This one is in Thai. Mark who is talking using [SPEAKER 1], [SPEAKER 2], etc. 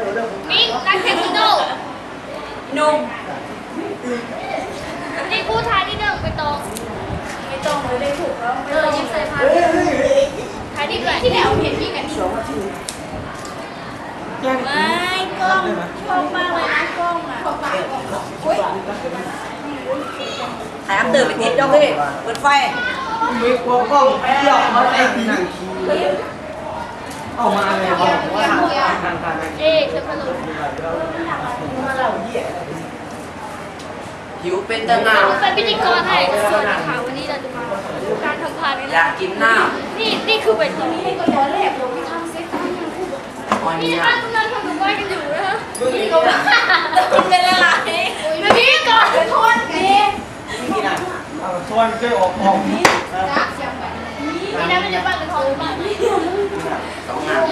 [SPEAKER 1] มิ้งนักเทคโนนุ่มนี่ผู้ชายที่หนึ่งไปตรงไม่ตรงเลยได้ถูกแล้วยิ้มใส่ผ้าท้ายที่เกิดที่แล้วเห็นพี่กันที่ไม่กล้องชอบมากเลยนะกล้องอ่ะ
[SPEAKER 2] ถ่ายอัพตื่นไปติดดอกเลยเปิดไฟ
[SPEAKER 3] มีกลัวกล้องหยอกมาไอ้ทีนั่งเอามาเลยบอกว่า
[SPEAKER 1] เอ๊ะเธอพะโล้
[SPEAKER 2] หิวเป็นตะนาว
[SPEAKER 1] เป็นพิธีกรให้ส่วนนะคะวันนี้เราจะมาการทำพานกัน
[SPEAKER 2] อยากกินน้
[SPEAKER 1] ำนี่คือเป็นตรงนี้ก็ย้อนแหลกลงที่ทำเซ็ตตั้งยังคู่นี่ป้าตรงนั้นทำกับบ้านกันอยู่นะนี่ก็ว่าคุณเป็นอะไรพี่ก่อนโทษนี่
[SPEAKER 3] ชวนเจอออกนี่
[SPEAKER 1] นี่นะมันจะบ้านกับทองบ้าน
[SPEAKER 2] 2 งาน